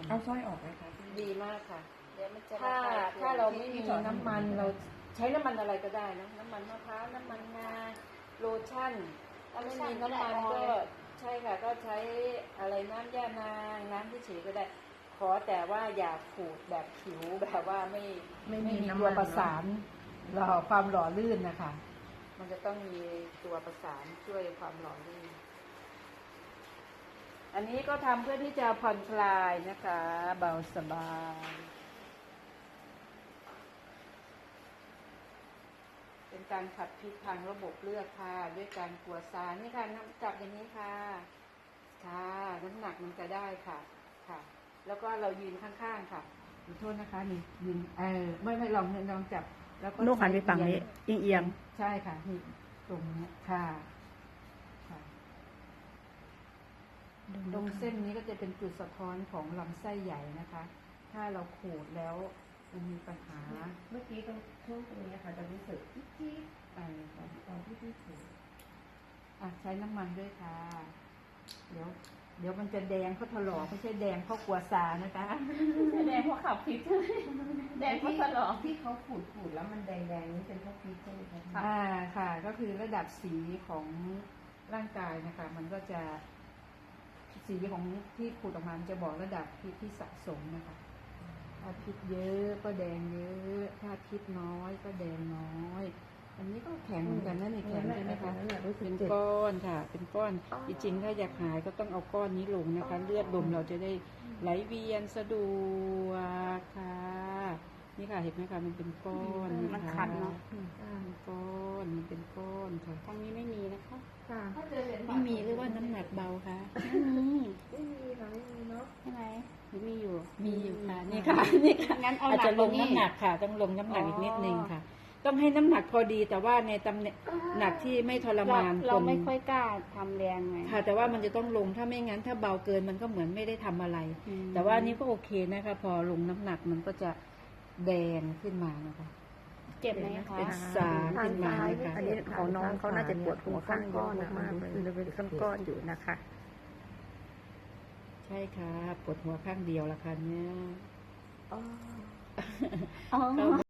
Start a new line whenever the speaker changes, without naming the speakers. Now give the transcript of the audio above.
เอาสร้อยออกไหมคะ
ดีมากค่ะ
เดี๋ยวมันจะ
ถ้าเราไม่มีน้ำมันเราใช้น้ำมันอะไรก็ได้นะน้ำมันมะพร้าวน้ำมันงาโลชั่นถ้าไม่มีน้ำมันก็ใช่ค่ะก็ใช้อะไรน้ำย่านางน้ำที่เฉยก็ได้ขอแต่ว่าอย่าขูดแบบผิวแบบว่าไม่มีตัวประสานหล่อความหล่อลื่นนะคะมันจะต้องมีตัวประสานช่วยความหล่อลื่นอันนี้ก็ทำเพื่อที่จะผ่อนคลายนะคะเบาสบายเป็นการขับพิษทางระบบเลือดค่ะด้วยการกลัวซานี่ค่ะจับอย่างนี้ค่ะค่ะน้ำหนักมันจะได้ค่ะค่ะ แล้วก็เรายืนข้างๆค่ะขอโทษนะคะนี่ยืนไม่ลองจับแล้วก็
ลูกหันไปฝั่งนี้เอียง
ใช่ค่ะนี่ตรงนี้ค่ะค่ะตรงเส้นนี้ก็จะเป็นจุดสะท้อนของลำไส้ใหญ่นะคะ ถ้าเราขูดแล้วมันมีปัญหา
เมื่อกี้ตรงช่วงตรงนี้ค่ะจะรู้สึกจี๊ดตอนที่พี่ถูก
ใช้น้ำมันด้วยค่ะเดี๋ยวมันจะแดงเพราะถลอกไม่ใช่แดงเพราะกลัวซานะคะ
แดงเพราะขับพิษแดงเพราะตลอด
ที่เขาขูดแล้วมันแดงนี่เป็นเพราะพิษใช่ไหมคะ
ค่ะก็คือระดับสีของร่างกายนะคะ มันก็จะสีของที่ขูดออกมามันจะบอกระดับพิษที่สะสมนะคะถ้าพิษเยอะก็แดงเยอะถ้าพิษน้อยก็แดงน้อยอันนี้ก็แข็งเหมือนกันนะนี่แข็งใช่ไหมคะเป็นก้อนค่ะ เป็นก้อนจริงๆถ้าอยากหายก็ต้องเอาก้อนนี้ลงนะคะ เลือดลมเราจะได้ไหลเวียนสะดวกค่ะนี่ค่ะเห็นไหมคะมันเป็นก้อน
มันคันเนาะ
เป็นก้อนมันเป็นก้อนค่ะ
ทางนี้ไม่มีนะคะ
ค่ะ
ไม่มีหรือว่าน้ำหนักเบาคะ
ไม่มีค่ะไม่มีเนาะ
ใช่ไหม
หรือมีอยู่ค่ะนี่ค่ะนี่ค่ะ
งั้นเอา
อาจ
หนัก
จะลง
กว่านี้
น้ำหนักค่ะ ต้องลงน้ำหนักอีกนิดนึงค่ะ ต้องให้น้ำหนักพอดีแต่ว่าในตำแหน่งหนักที่ไม่ทรมาน
เราไม่ค่อยกล้าทำแรงไง
ค่ะ แต่ว่ามันจะต้องลงถ้าไม่งั้นถ้าเบาเกินมันก็เหมือนไม่ได้ทำอะไร แต่ว่านี่ก็โอเคนะคะ พอลงน้ำหนักมันก็จะแดงขึ้นมานะคะ
เจ็บไหมคะ
เป็นสารขึ้นมานะคะ
อันนี้ของน้องเขาน่าจะปวดหัวข้างก้อนมากเลยเป็นก้อนอยู่นะคะ
ใช่ค่ะปวดหัวข้างเดียวละค่ะเนี่ย
อ๋อ